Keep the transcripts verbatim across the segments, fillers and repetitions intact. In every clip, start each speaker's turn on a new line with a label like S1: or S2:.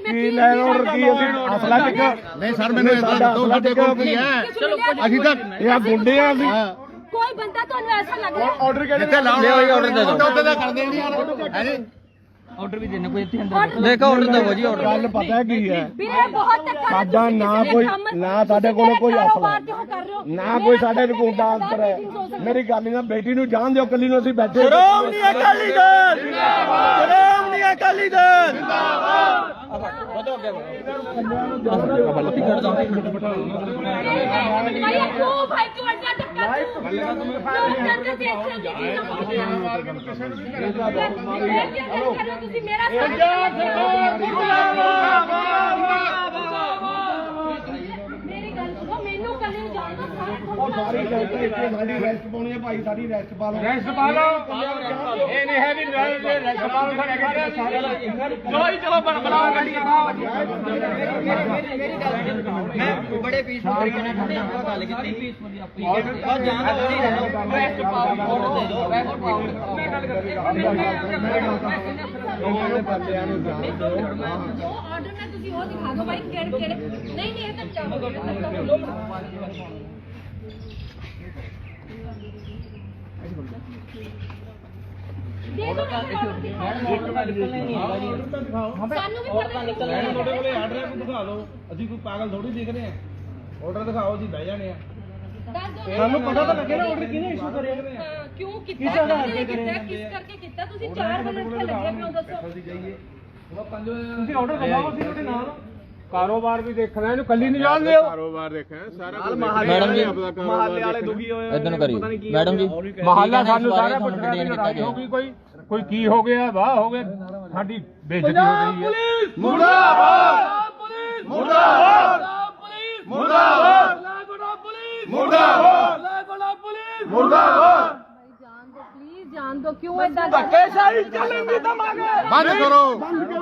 S1: ਕੀ ਲੈਣ ਆਰਡਰ ਕੀ ਅਸੀਂ ਅਸਲਾ ਟਿਕ
S2: ਨਹੀਂ ਸਰ ਮੈਨੂੰ ਇਦਾਂ ਦੱਸੋ ਸਾਡੇ ਕੋਲ ਕੀ ਹੈ ਅਸੀਂ ਤਾਂ
S1: ਇਹ ਆ ਗੁੰਡੇ ਆ ਅਸੀਂ
S3: ਕੋਈ ਬੰਦਾ ਤੁਹਾਨੂੰ ਐਸਾ ਲੱਗ ਰਿਹਾ
S1: ਆਰਡਰ ਕਿਹੜੇ
S2: ਜਿੱਥੇ ਲਾਉਣਾ ਹੋਈ ਆਰਡਰ ਦੇ ਦਿਓ ਉੱਤੇ ਤਾਂ ਕਰਦੇ ਨਹੀਂ ਹੈ ਜੀ
S4: ਆਰਡਰ ਵੀ ਦੇਣੇ ਕੋਈ ਇੱਥੇ ਅੰਦਰ
S1: ਦੇਖੋ ਆਰਡਰ ਦਿਓ ਜੀ ਆਰਡਰ ਗੱਲ ਪਤਾ ਕੀ ਹੈ
S3: ਵੀਰੇ ਬਹੁਤ ਧੱਕਾ
S1: ਸਾਡਾ ਨਾ ਕੋਈ ਨਾ ਸਾਡੇ ਕੋਲ ਕੋਈ ਅਸਲਾ ਨਾ ਕੋਈ ਸਾਡੇ ਨੂੰ ਗੁੰਡਾ ਅੰਤਰ ਹੈ ਮੇਰੀ ਗੱਲ ਨਾ ਬੇਟੀ ਨੂੰ ਜਾਣ ਦਿਓ ਕੱਲੀ ਨੂੰ ਅਸੀਂ ਬੈਠੇ ਸ਼੍ਰੋਮਣੀ ਅਕਾਲੀ ਦਲ ਜਿੰਦਾਬਾਦ ਸ਼੍ਰੋਮਣੀ ਅਕਾਲੀ ਦਲ ਜਿੰਦਾਬਾਦ ਵਧੋ ਅੱਗੇ
S3: ਭਾਈ ਕਿਉਂ ਭਾਈ ਕਿਉਂ ਅੱਡਾ ਧੱਕਾ ਤੁਸੀਂ ਮੇਰਾ ਪੰਜਾਬ ਸਰਕਾਰ ਮੇਰੀ ਗੱਲ ਸੁਣੋ ਮੈਨੂੰ ਕੱਲੇ ਨੂੰ ਜਾਣ ਦੋ
S1: ਉਹ ਸਾਰੀ ਇੱਥੇ ਸਾਡੀ ਰੈਸਟ ਪਾਉਣੀ ਹੈ ਭਾਈ ਸਾਡੀ ਰੈਸਟ ਪਾ ਲਓ ਰੈਸਟ ਪਾ ਲਓ ਇਹ ਨਹੀਂ ਹੈ ਵੀ ਰੈਸਟ ਪਾ ਲਓ ਸਾਡੇ ਚਲੋ ਜੀ ਚਲੋ ਬਣਾਓ ਗੱਡੀ
S4: ਮੈਂ ਬੜੇ ਪੀਸਫੁਲ ਤਰੀਕੇ ਨਾਲ ਤੁਹਾਡੇ ਨਾਲ ਗੱਲ ਕੀਤੀ ਔਰ ਜਾਨ ਹੋਣੀ ਰਹਿਣਾ ਰੈਸਟ ਪਾਓ ਆਰਡਰ ਦੇ ਦਿਓ ਰੈਸਟ ਪਾਓ ਮੈਂ ਗੱਲ ਕਰਦੀ
S1: ਬੰਦਿਆਂ ਨੂੰ ਜਾਣ ਦਿਓ
S3: ਜੋ ਆਰਡਰ ਮੈਂ ਤੁਸੀਂ ਉਹ ਦਿਖਾ ਦਿਓ ਭਾਈ ਕਿਹੜੇ ਕਿਹੜੇ ਨਹੀਂ ਨਹੀਂ ਇਹ ਤਾਂ ਚਾਹੋ ਦੇ ਦੋ ਸਾਨੂੰ ਵੀ ਪਤਾ ਨਿਕਲਣਾ
S5: ਤੁਹਾਡੇ ਕੋਲੇ ਆਰਡਰ ਹੈ, ਦਿਖਾ ਦਿਓ। ਅਸੀਂ ਕੋਈ ਪਾਗਲ ਥੋੜੀ ਦਿਖ ਰਹੇ ਆ। ਆਰਡਰ ਦਿਖਾਓ, ਅਸੀਂ ਬਹਿ ਜਾਣੇ ਆ।
S3: ਸਾਨੂੰ ਪਤਾ ਤਾਂ ਲੱਗੇ ਨਾ ਆਰਡਰ ਕਿਹਨੇ ਇਸ਼ੂ ਕਰਿਆ ਕਿਉਂ ਕੀਤਾ ਕਿਸ ਕਰਕੇ ਕੀਤਾ ਤੁਸੀਂ ਚਾਰ ਵਜੇ ਇੱਥੇ ਲੱਗੇ ਪਿਓ ਦੱਸੋ
S5: ਤੁਸੀਂ ਆਰਡਰ ਦਿਖਾਓ, ਅਸੀਂ ਤੁਹਾਡੇ ਨਾਲ।
S1: ਕਾਰੋਬਾਰ ਵੀ ਦੇਖਣਾ ਇਹਨੂੰ ਕੱਲੀ ਨਹੀਂ ਜਾਣ ਦਿਓ
S2: ਕਾਰੋਬਾਰ ਦੇਖਿਆ ਸਾਰਾ
S4: ਮੈਡਮ ਜੀ
S5: ਮਹੱਲੇ ਵਾਲੇ ਦੁਖੀ ਹੋਏ
S4: ਇਦਾਂ ਨੂੰ ਕਰੀ ਮੈਡਮ ਜੀ
S1: ਮਹੱਲਾ ਸਾਨੂੰ ਸਾਰਾ ਕੁਝ ਲੜਾਈ ਹੋ ਗਈ ਕੋਈ ਕੋਈ ਕੀ ਹੋ ਗਿਆ ਵਾਹ ਹੋ ਗਿਆ ਸਾਡੀ ਬੇਇੱਜ਼ਤੀ ਹੋ ਗਈ ਹੈ ਮੁਰਦਾਬਾਦ ਪੁਲਿਸ ਮੁਰਦਾਬਾਦ ਪੁਲਿਸ ਮੁਰਦਾਬਾਦ ਲਾਗੋੜਾ ਪੁਲਿਸ ਮੁਰਦਾਬਾਦ ਲਾਗੋੜਾ ਪੁਲਿਸ ਮੁਰਦਾਬਾਦ
S3: ਜਾਣ ਦੋ ਪਲੀਜ਼ ਜਾਣ ਦੋ ਕਿਉਂ ਇਦਾਂ
S1: ਧੱਕੇਸ਼ਾਹੀ ਚੱਲਣ ਦੀ ਤਾਂ ਮੰਗ
S2: ਬੰਦ ਕਰੋ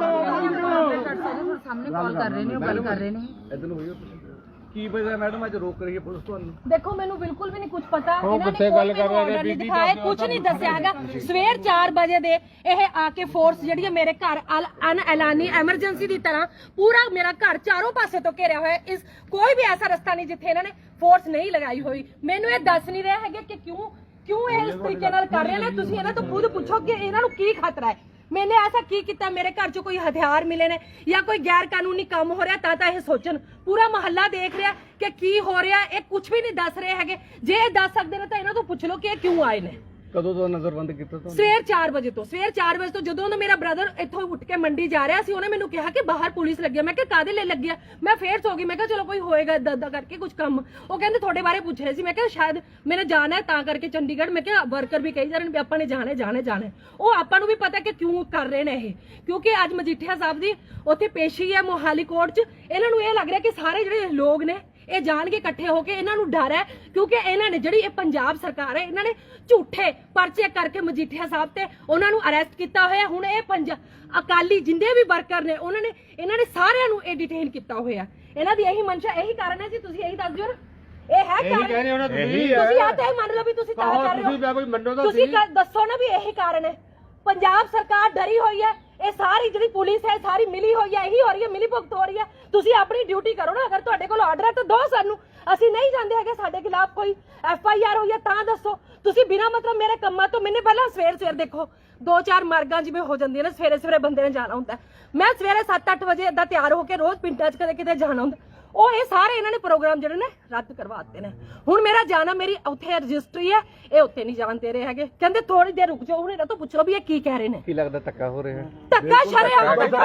S3: ਸਾਹਮਣੇ ਕਾਲ ਕਰ ਰਹੇ ਨੇ ਗੱਲ ਕਰ ਰਹੇ ਨੇ
S5: ਇਦਾਂ ਨੂੰ ਹੋਈਓ ਕੀ ਪਤਾ ਮੈਡਮ ਅੱਜ ਰੋਕ ਰਹੀ ਹੈ ਪੁਲਿਸ ਤੁਹਾਨੂੰ?
S3: ਦੇਖੋ ਮੈਨੂੰ ਬਿਲਕੁਲ ਵੀ ਨਹੀਂ ਕੁਝ ਪਤਾ
S1: ਉਹ
S3: ਇਹਨਾਂ
S1: ਕਿੱਥੇ
S3: ਨੇ
S1: ਗੱਲ
S3: ਕੋਈ
S1: ਕਰ ਰਹੇ ਨੇ
S3: ਆਰਡਰ ਨਹੀਂ
S1: ਬੀਬੀ
S3: ਦਿਖਾਏ ਕੁਝ ਨਹੀਂ ਦੱਸਿਆ ਹੈਗਾ ਸਵੇਰ ਚਾਰ ਵਜੇ ਦੇ ਇਹ ਆ ਕੇ ਫੋਰਸ ਜਿਹੜੀ ਹੈ ਮੇਰੇ ਘਰ ਅਨ ਐਲਾਨੀ ਐਮਰਜੈਂਸੀ ਦੀ ਤਰ੍ਹਾਂ ਪੂਰਾ ਮੇਰਾ ਘਰ ਚਾਰੋਂ ਪਾਸੇ ਤੋਂ ਘੇਰਿਆ ਹੋਇਆ ਇਸ ਕੋਈ ਵੀ ਐਸਾ ਰਸਤਾ ਨਹੀਂ ਜਿੱਥੇ ਇਹਨਾਂ ਨੇ ਫੋਰਸ ਨਹੀਂ ਲਗਾਈ ਹੋਈ ਮੈਨੂੰ ਇਹ ਦੱਸ ਨਹੀਂ ਰਹੇ ਹੈਗੇ ਕਿ ਕਿਉਂ ਕਿਉਂ ਇਹ ਇਸ ਤਰੀਕੇ ਨਾਲ ਕਰ ਰਹੇ ਨੇ ਤੁਸੀਂ ਇਹਨਾਂ ਤੋਂ ਖੁਦ ਪੁੱਛੋ ਕਿ ਇਹਨਾਂ ਨੂੰ ਕੀ ਖਤਰਾ ਹੈ मैंने ऐसा की किया मेरे घर चो कोई हथियार मिले ने या कोई गैर कानूनी काम हो रहा ता ये सोचन पूरा मोहल्ला देख रहा कि की हो रहा है कुछ भी नहीं दस रहे है जे दस सकते ने तो इन्हों तो पूछ लो कि क्यों आए ने
S5: ਕਦੋਂ ਤੋਂ ਨਜ਼ਰਬੰਦ ਕੀਤਾ ਤੁਹਾਨੂੰ?
S3: ਸਵੇਰ ਚਾਰ ਵਜੇ ਤੋਂ ਸਵੇਰ ਚਾਰ ਵਜੇ ਤੋਂ ਜਦੋਂ ਨਾ ਮੇਰਾ ਬ੍ਰਦਰ ਇੱਥੋਂ ਉੱਠ ਕੇ ਮੰਡੀ ਜਾ ਰਿਹਾ ਸੀ ਉਹਨੇ ਮੈਨੂੰ ਕਿਹਾ ਕਿ ਬਾਹਰ ਪੁਲਿਸ ਲੱਗੀ ਆ ਮੈਂ ਕਿਹਾ ਕਾਦੇ ਲਈ ਲੱਗੀ ਆ ਮੈਂ ਫੇਰ ਸੋ ਗਈ ਮੈਂ ਕਿਹਾ ਚਲੋ ਕੋਈ ਹੋਏਗਾ ਦਾਦਾ ਕਰਕੇ ਕੁਝ ਕੰਮ ਉਹ ਕਹਿੰਦੇ ਤੁਹਾਡੇ ਬਾਰੇ ਪੁੱਛ ਰਹੇ ਸੀ ਮੈਂ ਕਿਹਾ ਸ਼ਾਇਦ ਮੈਨੇ ਜਾਣਾ ਹੈ ਤਾਂ ਕਰਕੇ ਚੰਡੀਗੜ੍ਹ ਮੈਂ ਕਿਹਾ ਵਰਕਰ ਵੀ ਕਹੀ ਜਾ ਰਹੇ ਨੇ ਵੀ ਆਪਾਂ ਨੇ ਜਾਣੇ ਜਾਣੇ ਜਾਣੇ ਉਹ ਆਪਾਂ ਨੂੰ ਵੀ ਪਤਾ ਕਿ ਕਿਉਂ ਕਰ ਰਹੇ ਨੇ ਇਹ ਕਿਉਂਕਿ ਅੱਜ ਮਜੀਠੀਆ ਸਾਹਿਬ ਦੀ ਉੱਥੇ ਪੇਸ਼ੀ ਹੈ ਮੋਹਾਲੀ ਕੋਰਟ 'ਚ ਇਹਨਾਂ ਨੂੰ ਇਹ ਲੱਗ ਰਿਹਾ ਕਿ ਸਾਰੇ ਜਿਹੜੇ ਲੋਕ ਨੇ ਇਹ ਜਾਣ ਕੇ ਇਕੱਠੇ ਹੋ ਕੇ ਇਹਨਾਂ ਨੂੰ ਡਰ ਹੈ ਕਿਉਂਕਿ ਇਹਨਾਂ ਨੇ ਜਿਹੜੀ ਇਹ ਪੰਜਾਬ ਸਰਕਾਰ ਹੈ ਇਹਨਾਂ ਨੇ ਝੂਠੇ ਪਰਚੇ ਕਰਕੇ ਮਜੀਠੀਆ ਸਾਹਿਬ ਤੇ ਉਹਨਾਂ ਨੂੰ ਅਰੈਸਟ ਕੀਤਾ ਹੋਇਆ ਹੁਣ ਇਹ ਪੰਜਾਬ ਅਕਾਲੀ ਜਿੰਦੇ ਵੀ ਵਰਕਰ ਨੇ ਉਹਨਾਂ ਨੇ ਇਹਨਾਂ ਨੇ ਸਾਰਿਆਂ ਨੂੰ ਇਹ ਡਿਟੇਨ ਕੀਤਾ ਹੋਇਆ ਇਹਨਾਂ ਦੀ ਇਹੀ ਮਨਸ਼ਾ ਇਹੀ ਕਾਰਨ ਹੈ ਜੀ ਤੁਸੀਂ ਇਹੀ ਦੱਸ ਦਿਓ ਨਾ ਇਹ ਹੈ ਕਾਰਨ ਤੁਸੀਂ ਆ ਤਾਂ ਇਹ ਮੰਨ ਲਓ ਵੀ ਤੁਸੀਂ ਤਾਂ ਕਰ ਰਹੇ ਹੋ ਤੁਸੀਂ ਦੱਸੋ ਨਾ ਵੀ ਇਹੀ ਕਾਰਨ ਹੈ ਪੰਜਾਬ ਸਰਕਾਰ ਡਰੀ ਹੋਈ ਹੈ ਇਹ ਸਾਰੀ ਜਿਹੜੀ ਪੁਲਿਸ ਹੈ ਸਾਰੀ ਮਿਲੀ ਹੋਈ ਹੈ ਇਹੀ ਹੋ ਰਹੀ ਹੈ ਮਿਲੀ ਭੁਗਤ ਹੋ ਰਹੀ ਹੈ ਤੁਸੀਂ ਆਪਣੀ ਡਿਊਟੀ ਕਰੋ ਨਾ ਅਗਰ ਤੁਹਾਡੇ ਕੋਲ ਆਰਡਰ ਹੈ ਤਾਂ ਦੋ ਸਾਨੂੰ ਅਸੀਂ ਨਹੀਂ ਜਾਂਦੇ ਹੈਗੇ ਸਾਡੇ ਖਿਲਾਫ ਕੋਈ ਐਫ ਆਈ ਆਰ ਹੋਈ ਹੈ ਤਾਂ ਦੱਸੋ ਤੁਸੀਂ ਬਿਨਾਂ ਮਤਲਬ ਮੇਰੇ ਕੰਮਾਂ ਤੋਂ ਮੈਨੇ ਪਹਿਲਾਂ ਸਵੇਰ ਸਵੇਰ ਦੇਖੋ ਦੋ ਚਾਰ ਮਾਰਗਾਂ ਜਿਵੇਂ ਹੋ ਜਾਂਦੀਆਂ ਨੇ ਸਵੇਰੇ ਸਵੇਰੇ ਬੰਦੇ ਨੇ ਜਾਣਾ ਹੁੰਦਾ ਮੈਂ ਸਵੇਰੇ ਸੱਤ ਅੱਠ ਵਜੇ ਏਦਾਂ ਤਿਆਰ ਹੋ ਕੇ ਰੋਜ਼ ਪਿੰਡਾਂ 'ਚ ਕਦੇ ਕਿਤੇ ਜਾਣਾ ਹੁੰਦਾ ਉਹ ਇਹ ਸਾਰੇ ਇਹਨਾਂ ਨੇ ਪ੍ਰੋਗਰਾਮ ਜਿਹੜੇ ਨੇ ਰੱਦ ਕਰਵਾ ਦਿੱਤੇ ਨੇ ਹੁਣ ਮੇਰਾ ਜਾਣਾ ਮੇਰੀ ਉੱਥੇ ਰਜਿਸਟਰੀ ਹੈ ਇਹ ਉੱਥੇ ਨਹੀਂ ਜਾਣ ਦੇ ਰਹੇ ਹੈਗੇ ਕਹਿੰਦੇ ਥੋੜੀ ਦੇਰ ਰੁਕ ਜਾਓ ਹੁਣ ਇਹਨਾਂ ਤੋਂ ਪੁੱਛ ਲਓ ਵੀ ਇਹ ਕੀ ਕਹਿ ਰਹੇ ਨੇ
S5: ਕੀ ਲੱਗਦਾ ਧੱਕਾ ਹੋ ਰਿਹਾ?
S3: ਧੱਕਾ ਸ਼ਰੇਆਮ
S1: ਨਹੀਂ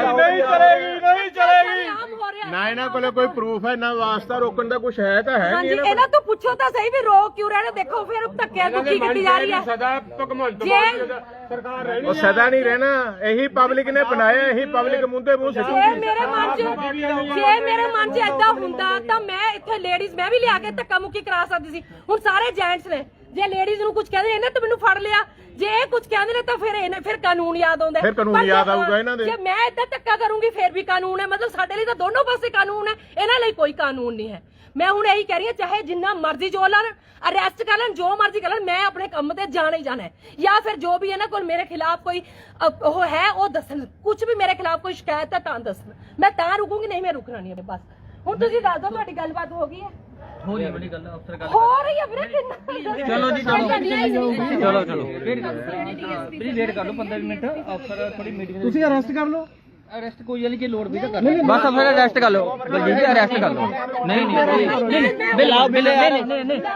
S1: ਚਲੇਗੀ ਨਹੀਂ ਚਲੇਗੀ
S3: ਸ਼ਰੇਆਮ ਹੋ ਰਿਹਾ
S2: ਨਾ ਇਹਨਾਂ ਕੋਲੇ ਕੋਈ ਪ੍ਰੂਫ ਹੈ ਨਾ ਵਾਸਤਾ ਰੋਕਣ ਦਾ ਕੁਝ ਹੈ ਤਾਂ ਹੈ
S3: ਹਾਂਜੀ ਇਹਨਾਂ ਤੋਂ ਪੁੱਛੋ ਤਾਂ ਸਹੀ ਵੀ ਰੋਕ ਕਿਉਂ ਰਹੇ ਨੇ ਦੇਖੋ ਫਿਰ ਧੱਕਿਆਂ ਤੋਂ ਕੀ ਕੀਤੀ ਜਾ ਰਹੀ ਹੈ
S1: ਸਦਾ ਭਗਵੰਤ
S3: ਜੇ
S1: ਸਰਕਾਰ ਰਹਿਣੀ
S2: ਉਹ ਸਦਾ ਨਹੀਂ ਰਹਿਣਾ ਇਹੀ ਪਬਲਿਕ ਨੇ ਬਣਾਇਆ ਇਹੀ ਪਬਲਿਕ ਮੁੰਦੇ ਮੂੰਹ
S3: ਜੇ
S2: ਸਿੱਟੂਗੀ
S3: ਮੇਰੇ ਮਨ 'ਚ ਜੇ ਮੇਰੇ ਮਨ 'ਚ ਏਦਾਂ ਹੁੰਦਾ ਤਾਂ ਮੈਂ ਇੱਥੇ ਲੇਡੀਜ਼ ਮੈਂ ਵੀ ਲਿਆ ਕੇ ਧੱਕਾ ਮੁੱਕੀ ਕਰਾ ਸਕਦੀ ਸੀ ਹੁਣ ਸਾਰੇ ਜੈਂਟਸ ਨੇ ਜੇ ਲੇਡੀਜ਼ ਨੂੰ ਕੁਝ ਕਹਿੰਦੇ ਇਹਨੇ ਤਾਂ ਮੈਨੂੰ ਫੜ ਲਿਆ ਜੇ ਇਹ ਕੁਝ ਕਹਿੰਦੇ ਨੇ ਤਾਂ ਫਿਰ ਇਹਨੇ ਫਿਰ ਕਾਨੂੰਨ ਯਾਦ ਆਉਂਦਾ
S2: ਫਿਰ ਕਾਨੂੰਨ ਯਾਦ ਆਊਗਾ ਇਹਨਾਂ ਦੇ
S3: ਜੇ ਮੈਂ ਏਦਾਂ ਧੱਕਾ ਕਰੂੰਗੀ ਫਿਰ ਵੀ ਕਾਨੂੰਨ ਹੈ ਮਤਲਬ ਸਾਡੇ ਲਈ ਤਾਂ ਦੋਨੋਂ ਪਾਸੇ ਕਾਨੂੰਨ ਹੈ ਇਹਨਾਂ ਲਈ ਕੋਈ ਕਾਨੂੰਨ ਨਹੀਂ ਹੈ ਮੈਂ ਹੁਣ ਇਹੀ ਕਹਿ ਰਹੀ ਹਾਂ ਚਾਹੇ ਜਿੰਨਾ ਮਰਜ਼ੀ ਜੋ ਲੈਣ ਅਰੈਸਟ ਕਰ ਲੈਣ ਜੋ ਮਰਜ਼ੀ ਕਰ ਲੈਣ ਮੈਂ ਆਪਣੇ ਕੰਮ ਤੇ ਜਾਣਾ ਹੀ ਜਾਣਾ ਹੈ ਜਾਂ ਫਿਰ ਜੋ ਵੀ ਇਹਨਾਂ ਕੋਲ ਮੇਰੇ ਖਿਲਾਫ ਕੋਈ ਉਹ ਹੈ ਉਹ ਦੱਸਣ ਕੁਝ ਵੀ ਮੇਰੇ ਖਿਲਾਫ ਕੋਈ ਸ਼ਿਕਾਇਤ ਹੈ ਤਾਂ ਦੱਸਣ ਮੈਂ ਤਾਂ ਰੁਕੂੰਗੀ ਨਹੀਂ ਮੈਂ ਰੁਕਣਾ ਨਹੀਂ ਬਸ ਹੁਣ ਤੁਸੀਂ ਦੱਸ ਦਿਓ ਤੁਹਾਡੀ ਗੱਲਬਾਤ ਹੋ ਗਈ ਹੈ
S4: ਹੋ ਰਹੀ ਬੜੀ ਗੱਲ ਅਫਸਰ ਗੱਲ
S3: ਹੋ ਰਹੀ ਹੈ ਵੀਰੇ ਕਿੰਨਾ
S4: ਚਲੋ ਜੀ ਚਲੋ
S5: ਚਲੋ ਚਲੋ
S4: ਪਲੀਜ਼ ਵੇਟ ਕਰ ਲਓ ਪੰਦਰਾਂ ਮਿੰਟ ਅਫਸਰ ਥੋੜੀ ਮੀਟਿੰਗ
S5: ਤੁਸੀਂ ਅਰੈਸਟ ਕਰ ਲਓ
S4: ਅਰੈਸਟ ਕੋਈ ਵਾਲੀ ਜੇ ਲੋੜ ਵੀ ਤਾਂ ਕਰ ਬਸ ਅਫਸਰ ਅਰੈਸਟ ਕਰ ਲਓ ਬਲਜੀਤ ਜੀ ਅਰੈਸਟ ਕਰ ਲਓ ਨਹੀਂ ਨਹੀਂ ਨਹੀਂ ਬਿੱਲ ਆਓ ਬਿੱਲ ਨਹੀਂ ਨਹੀਂ